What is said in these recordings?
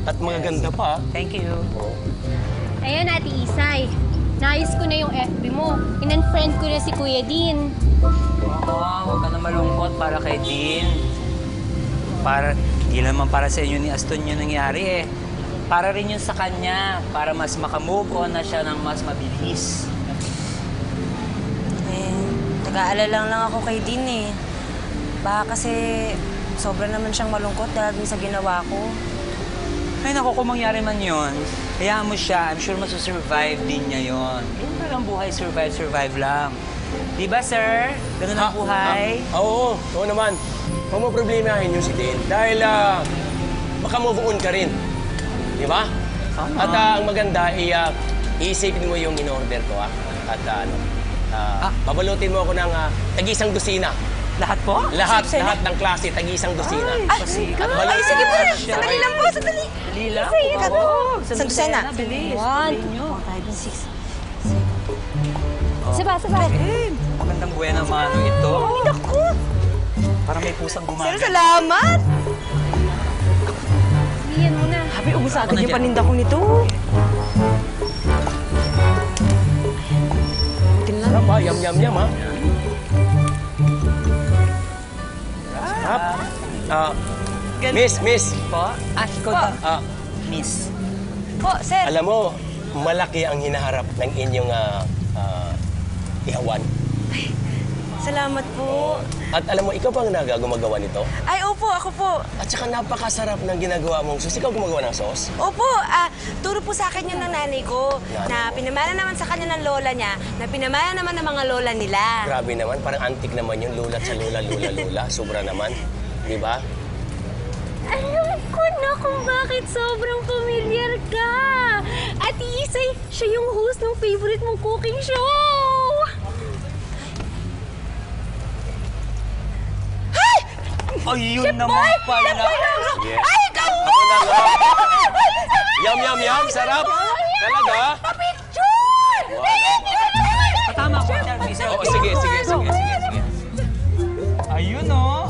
At magaganda pa. Thank you. Ayan, Ate Isay. Naayos ko na yung FB mo. In-unfriend ko na si Kuya Dean. Huwag ka na malungkot para kay Dean. Hindi naman para sa inyo ni Aston yung nangyari eh. Para rin yun sa kanya, para mas makamove on na siya ng mas mabilis. Nag-aalala lang ako kay Dean eh. Baka kasi sobra naman siyang malungkot dahil sa ginawa ko. Ay naku, kung mangyari man yun, hayaan mo siya. I'm sure masusurvive din niya yun. Yun parang buhay, survive lang. Di ba, sir? Ganun ang buhay. Oo naman. Huwag mo problemahin yung si Dean. Dahil maka-move on ka rin. Di ba? At ang maganda, iisipin mo yung in-order ko. At babalutin mo ako ng tag-isang dosina. Lahat po? Lahat ng klase, tag-isang dosina. Kasi, Ay, sige po. Sandali lang po, sandali. Dali lang. Isang dosena. Bilis. 1, 2, 5, 6. Saba. Magandang buhay naman ito. Ay, naku! Parang may pusang gumagal. Sir, salamat! Iyan mo na. Habi, ubus agad yung paninda ko nito. Sarap ha, yum ha. Sarap. Miss. Po? Ikaw na. Miss. Po, sir. Alam mo, malaki ang hinaharap ng inyong ihawan. Salamat po. At alam mo, ikaw bang gumagawa nito? Ay, opo, ako po. At saka napakasarap ng ginagawa mong sauce. Ikaw gumagawa ng sauce? Opo, turo po sa akin yun ng nanay ko na pinamana naman sa kanya ng lola niya, na pinamana naman ng mga lola nila. Grabe naman, parang antik naman yung lulat sa lula. Sobra naman. Di ba? Alam ko na kung bakit sobrang familiar ka. Ate Isay, siya yung host ng favorite mong cooking show. Ayun naman pala. Yes. Ay, ikaw! Yum. Sarap. Talaga? Picture! Tama ko. Oo, sige. Ayun o.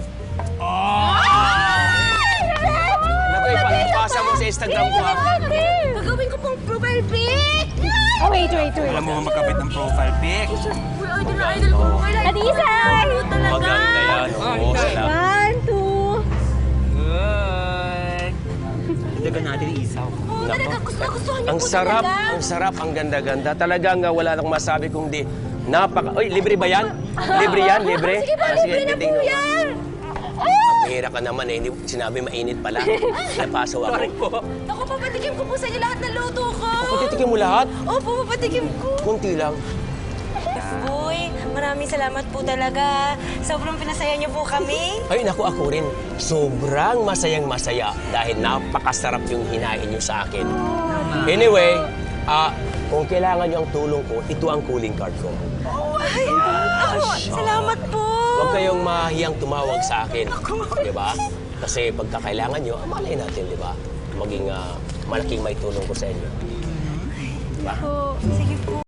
Naku, ipasa mo sa Instagram ko ha. Gagawin ko pong profile pic. Oh, wait. Alam mo magkapit ng profile pic. Idol ko. Ate Isay! Maganda yan. Oo, salamat. 1, 2. Good. Dagan natin isaw. Ang sarap, ang ganda-ganda. Talagang wala nang masabi kung di Oy, libre ba yan? Libre yan, libre? Sige po, libre na po yan. Mahira ka naman eh. Hindi sinabi mainit pala. Napasaw ako. Sorry po. Naku, papatikim ko po sa inyo lahat ng luto ko. Patitikin mo lahat? Opo, papatikim ko. Kunti lang. Boy, maraming salamat po talaga. Sobrang pinasaya niyo po kami. Ay, naku, ako rin. Sobrang masayang-masaya dahil napakasarap yung hinain niyo sa akin. Anyway, kung kailangan niyo ang tulong ko, ito ang calling card ko. Ay, ako, salamat po. Huwag kayong mahiyang tumawag sa akin. Di ba? Kasi pagka kailangan niyo, malay natin, di ba? Maging malaking may tulong ko sa inyo. Diba? Sige po.